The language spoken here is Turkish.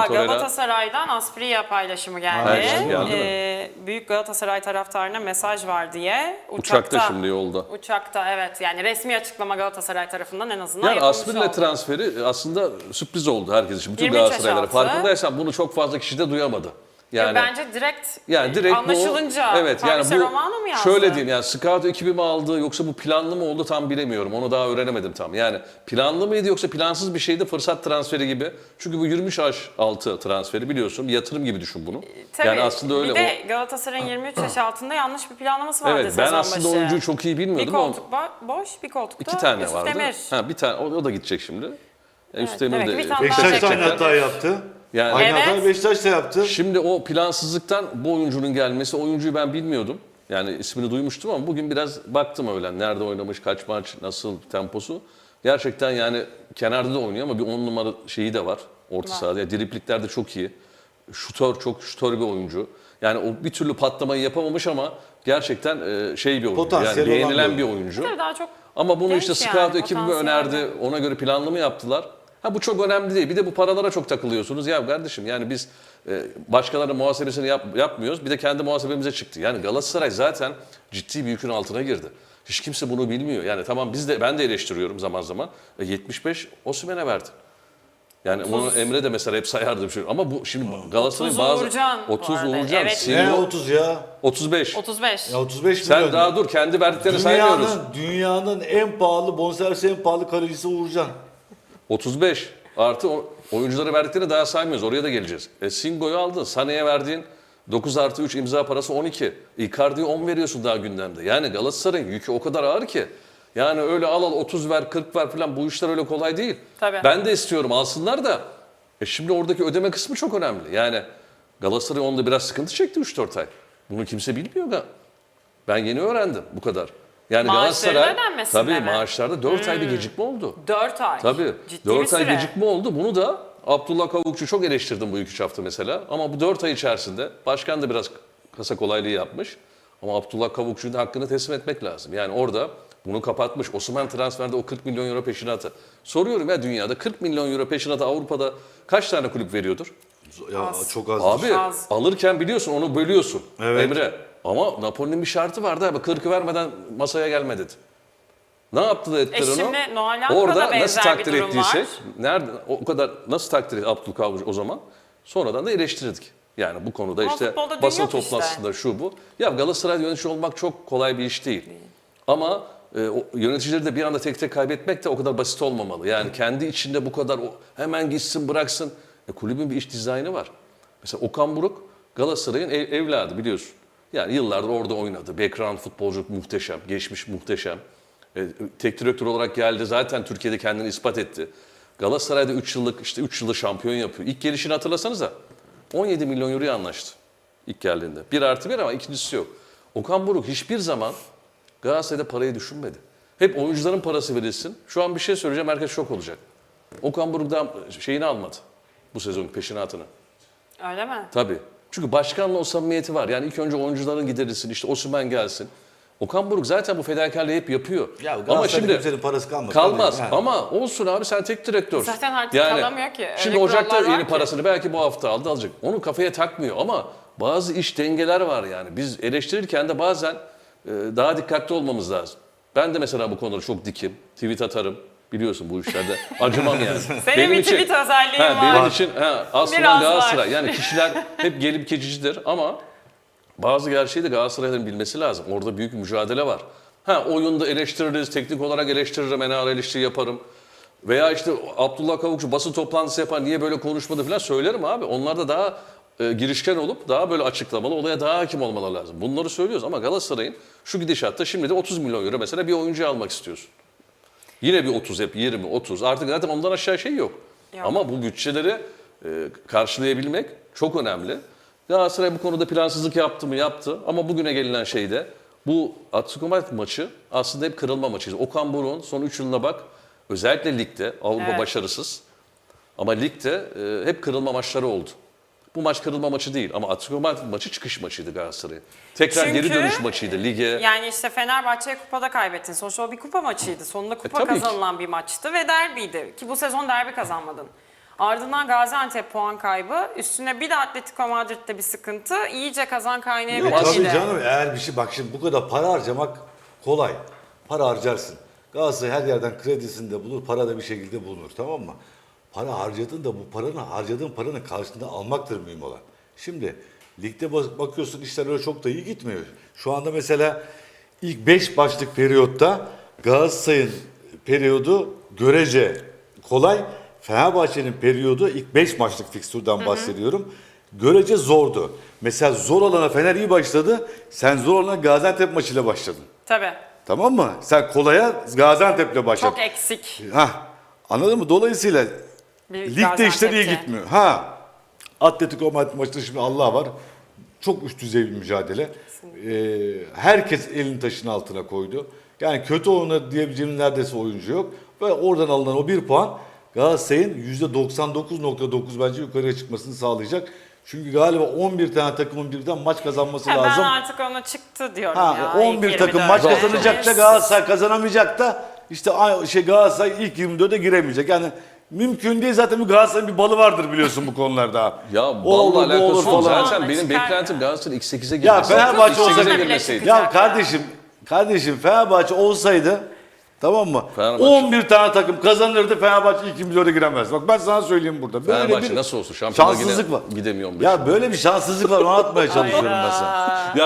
Torreira. Galatasaray'dan Asprilla paylaşımı geldi. Evet, geldi Büyük Galatasaray taraftarına mesaj var diye. Uçakta şimdi yolda. Uçakta evet. Yani resmi açıklama Galatasaray tarafından en azından Yani yapılmış Asprilla oldu. transferi aslında sürpriz oldu herkes için. Bütün 23 yaş Galatasaraylara. altı. Farkındaysan bunu çok fazla kişi de duyamadı. Yani Bence direkt, direkt anlaşılınca bu, evet yani Fabrizio bu Romano mu yazdı? şöyle diyeyim yani scout ekibi mi aldı yoksa bu planlı mı oldu tam bilemiyorum. Onu daha öğrenemedim tam. Yani planlı mıydı yoksa plansız bir şeydi, fırsat transferi gibi. Çünkü bu 23 yaş altı transferi biliyorsun, bir yatırım gibi düşün bunu. Tabii. Yani aslında öyle. Bir de Galatasaray'ın 23 yaş altında yanlış bir planlaması vardı Evet, ben sezon aslında başı. oyuncuyu çok iyi Bir bilmiyordum ama koltuk boş, bir koltukta 2 tane Yusuf vardı. Demir. Ha, bir tane o da gidecek şimdi. Yusuf demek Demir ki de bir tane Beşiktaş da aynı gerçekten. hata yaptı. yani Aynı Evet. hata Beşiktaş da yaptı. şimdi o plansızlıktan bu oyuncunun gelmesi, oyuncuyu ben bilmiyordum. Yani ismini duymuştum ama bugün biraz baktım öyle. Nerede oynamış, kaç maç, nasıl temposu. Gerçekten yani kenarda da oynuyor ama bir 10 numara şeyi de var orta sahada. Yani dripliklerde çok iyi. Çok şutör bir oyuncu. Yani o bir türlü patlamayı yapamamış ama gerçekten şey bir oyuncu. Potansiyeli Yani olan beğenilen bir bir oyuncu. Tabii daha çok Ama bunu genç işte scout yani, ekibi mi potansiyelli. önerdi, ona göre planlı mı yaptılar? Ha bu çok önemli değil. Bir de bu paralara çok takılıyorsunuz. Ya kardeşim yani biz başkalarının muhasebesini yapmıyoruz. Bir de kendi muhasebemize çıktı. Yani Galatasaray zaten ciddi bir yükün altına girdi. Hiç kimse bunu bilmiyor. Yani tamam ben de eleştiriyorum zaman zaman. 75 Osimhen'e verdi. Yani onu Emre de mesela hep sayardı. Ama bu şimdi Galatasaray'ın 30 bazı... Uğurcan bu 30 arada. Uğurcan. Evet. Singo, Ne 30 ya? 35. 35. Ya 35 Sen milyon. daha dur kendi verdiklerini saymıyoruz. Dünyanın en pahalı, bonservisi en pahalı kalecisi Uğurcan. 35 artı oyunculara verdiklerini daha saymıyoruz. Oraya da geleceğiz. Singo'yu aldın. Sané'ye verdiğin 9 artı 3 imza parası 12. Icardi'ye 10 veriyorsun daha gündemde. Yani Galatasaray'ın yükü o kadar ağır ki. Yani öyle al 30 ver 40 ver falan bu işler öyle kolay değil. Tabii. Ben de istiyorum alsınlar da. Şimdi oradaki ödeme kısmı çok önemli. Yani Galatasaray onda biraz sıkıntı çekti 3-4 ay. Bunu kimse bilmiyor. Ben yeni öğrendim bu kadar. Yani Maaşların Galatasaray ödenmesinde tabii mi? maaşlarda 4 ay bir gecikme oldu. 4 ay. Tabii. Ciddi 4 bir ay süre. gecikme oldu. Bunu da Abdullah Kavukçu çok eleştirdim bu 2-3 hafta mesela. Ama bu 4 ay içerisinde başkan da biraz kasa kolaylığı yapmış. Ama Abdullah Kavukçu'nun hakkını teslim etmek lazım. Yani orada bunu kapatmış. Osimhen transferde o 40 milyon euro peşinatı. Soruyorum ya dünyada 40 milyon euro peşinatı Avrupa'da kaç tane kulüp veriyordur? Ya Az. çok az. Abi Az. alırken biliyorsun onu bölüyorsun Evet. Emre. Ama Napoli'nin bir şartı vardı abi 40'ı vermeden masaya gelme dedi. Ne yaptı da ettiler onu? Şimdi Noel Hakkı'da Orada benzer nasıl bir takdir durum ettiysek, var. nerede o kadar nasıl takdir etti Abdülkadir o zaman? Sonradan da eleştirdik. Yani bu konuda Ama işte futbolda dün basın yok işte. toplantısında şu bu. Ya Galatasaray yönetici olmak çok kolay bir iş değil. Ama o yöneticileri de bir anda tek tek kaybetmek de o kadar basit olmamalı. Yani kendi içinde bu kadar hemen gitsin bıraksın. Kulübün bir iş dizaynı var. Mesela Okan Buruk Galatasaray'ın evladı biliyorsun. Yani yıllardır orada oynadı. Background futbolcu muhteşem, geçmiş muhteşem. Tek direktör olarak geldi. Zaten Türkiye'de kendini ispat etti. Galatasaray'da 3 yılda şampiyon yapıyor. İlk gelişini hatırlasanıza. 17 milyon euroya anlaştı ilk geldiğinde. 1+1 ama ikincisi yok. Okan Buruk hiçbir zaman Galatasaray'da parayı düşünmedi. Hep oyuncuların parası verilsin. Şu an bir şey söyleyeceğim, herkes şok olacak. Okan Buruk da şeyini almadı bu sezon peşinatını. Öyle mi? Tabii. Çünkü başkanla o samimiyeti var. Yani ilk önce oyuncuların giderilsin, işte Osimhen gelsin. Okan Buruk zaten bu fedakarlığı hep yapıyor. Ya ama Galatasaray'ın şimdi kimsenin parası kalmaz. kalmaz. Yani. Ama olsun abi sen tek direktörsün. Zaten artık kalamıyor ki. Öyle Şimdi Ocak'ta kurallar var yeni ki. parasını belki bu hafta alacak. Onu kafaya takmıyor ama bazı iş dengeler var yani. Biz eleştirirken de bazen daha dikkatli olmamız lazım. Ben de mesela bu konuda çok dikim. Tweet atarım. Biliyorsun bu işlerde. Acımam yani. Senin bir tweet özelliğin var. Benim için aslında Biraz Galatasaray. var. Yani kişiler hep gelip geçicidir ama bazı gerçeği de Galatasaray'ın bilmesi lazım. Orada büyük bir mücadele var. Oyunda eleştiririz, teknik olarak eleştiririm, en eleştiri yaparım. Veya işte Abdullah Kavukçu basın toplantısı yapar, niye böyle konuşmadı falan söylerim abi. Onlar da daha girişken olup daha böyle açıklamalı, olaya daha hakim olmaları lazım. Bunları söylüyoruz ama Galatasaray'ın şu gidişatta şimdi de 30 milyon euro mesela bir oyuncu almak istiyorsun. Yine bir 30 hep 20, 30. Artık zaten ondan aşağı şey yok. Ama bu bütçeleri karşılayabilmek çok önemli. Galatasaray bu konuda plansızlık yaptı mı? Yaptı. Ama bugüne gelinen şey de bu Atletico Madrid maçı aslında hep kırılma maçıydı. Okan Buruk'un son 3 yılına bak. Özellikle ligde Avrupa başarısız. Ama ligde hep kırılma maçları oldu. Bu maç kırılma maçı değil ama Atletico Madrid maçı çıkış maçıydı Galatasaray'ın. Tekrar geri Çünkü dönüş maçıydı lige. Yani işte Fenerbahçe'ye kupada kaybettin. Sonuçta o bir kupa maçıydı. Sonunda kupa tabii ki. kazanılan bir maçtı ve derbiydi. Ki bu sezon derbi kazanmadın. Ardından Gaziantep puan kaybı. Üstüne bir de Atletico Madrid'de bir sıkıntı. İyice kazan kaynağı Tabii etkili. canım, eğer bir şey, bak şimdi bu kadar para harcamak kolay. Para harcarsın. Galatasaray her yerden kredisini de bulur, para da bir şekilde bulunur, tamam mı? Para harcadın da bu harcadığın paranın karşılığında almaktır mühim olan. Şimdi ligde bakıyorsun işler öyle çok da iyi gitmiyor. Şu anda mesela ilk 5 başlık periyotta Galatasaray'ın periyodu görece kolay. Fenerbahçe'nin periyodu ilk 5 maçlık fikstürden bahsediyorum. Görece zordu. Mesela zor olana Fener iyi başladı. Sen zor olana Gaziantep maçıyla başladın. Tabii. Tamam mı? Sen kolaya Gaziantep'le başladın. Çok eksik. Anladın mı? Dolayısıyla Bir ligde işler iyi Gaziantep'te. gitmiyor. Atletico Madrid maçında şimdi Allah var. Çok üst düzey bir mücadele. Herkes elini taşın altına koydu. Yani kötü oynadı diyebileceğim neredeyse oyuncu yok. Ve oradan alınan o 1 puan Galatasaray'ın %99.9 bence yukarıya çıkmasını sağlayacak. Çünkü galiba 11 tane takımın birden maç kazanması Ben lazım. artık ona çıktı diyorum ya. 11 ilk takım 24'e. maç kazanacak da Evet. Galatasaray kazanamayacak da işte Galatasaray ilk 24'e giremeyecek. Yani mümkün değil, zaten bir Galatasaray'ın bir balı vardır biliyorsun bu konularda. Ya O balla olur, bu alakası olur yok. falan. Zaten Çıkar benim ya. beklentim Galatasaray ilk 8'e Ya girmesi. Fenerbahçe İlk 8'e olsaydı girmeseydi. Ya kardeşim Fenerbahçe olsaydı, tamam mı? Fenerbahçe. 11 tane takım kazanırdı, Fenerbahçe ilk 24'e giremez. Bak ben sana söyleyeyim burada. Böyle Fenerbahçe bir nasıl olsun? Şampiyonluğa şanssızlık var. gidemiyorum. Ya böyle bir şanssızlık var, onu atmaya çalışıyorum ben sana.